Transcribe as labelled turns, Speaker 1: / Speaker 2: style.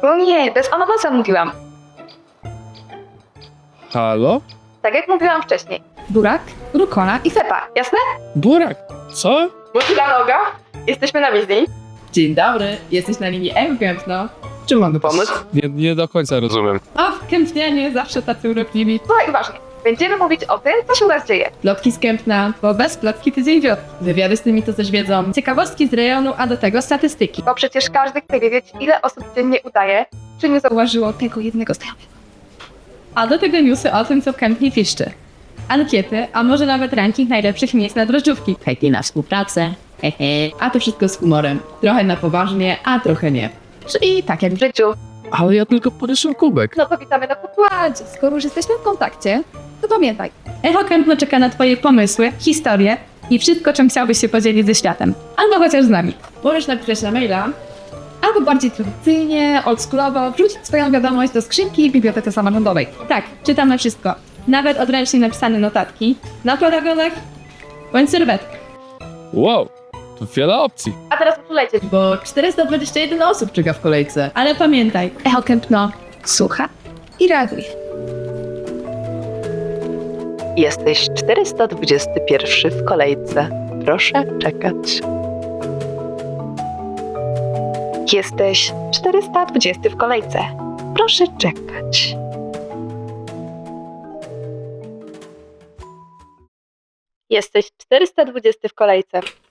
Speaker 1: No nie, bez ananasa mówiłam.
Speaker 2: Halo?
Speaker 1: Tak jak mówiłam wcześniej. Burak, rukola i fepa, jasne?
Speaker 2: Burak, co?
Speaker 1: Motyla noga. Jesteśmy na wizji.
Speaker 3: Dzień dobry, jesteś na linii M-Kempno.
Speaker 2: Czym mamy pomóc? Nie do końca rozumiem.
Speaker 3: O, w Kempnianie zawsze tacy urokliwi.
Speaker 1: Słuchaj uważnie. Będziemy mówić o tym, co się u nas dzieje.
Speaker 3: Plotki z Kempna, bo bez plotki tydzień wiotki. Wywiady z tymi, to też wiedzą. Ciekawostki z rejonu, a do tego statystyki.
Speaker 1: Bo przecież każdy chce wiedzieć, ile osób dziennie udaje, czy nie zauważyło tego jednego znajomego.
Speaker 3: A do tego newsy o tym, co w Kempnie piszczy. Ankiety, a może nawet ranking najlepszych miejsc na drożdżówki. Chętnie na współpracę. Hehe. A to wszystko z humorem. Trochę na poważnie, a trochę nie. Czyli tak jak
Speaker 1: W życiu.
Speaker 2: Ale ja tylko podeszłem kubek.
Speaker 1: No to witamy na pokładzie. Skoro już jesteśmy w kontakcie, to pamiętaj.
Speaker 3: Echo Kempno czeka na twoje pomysły, historie i wszystko, czym chciałbyś się podzielić ze światem. Albo chociaż z nami. Możesz napisać na maila, albo bardziej tradycyjnie, oldschoolowo, wrzucić swoją wiadomość do skrzynki w bibliotece samorządowej. Tak, czytamy wszystko. Nawet odręcznie napisane notatki na paragonach bądź serwetkach.
Speaker 2: Wow, to wiele opcji.
Speaker 1: A teraz uczulejcie.
Speaker 3: Bo 421 osób czeka w kolejce. Ale pamiętaj, Echo Kempno słucha i reaguje.
Speaker 4: Jesteś 421 w kolejce. Proszę czekać. Jesteś 420 w kolejce. Proszę czekać.
Speaker 1: Jesteś 420 w kolejce.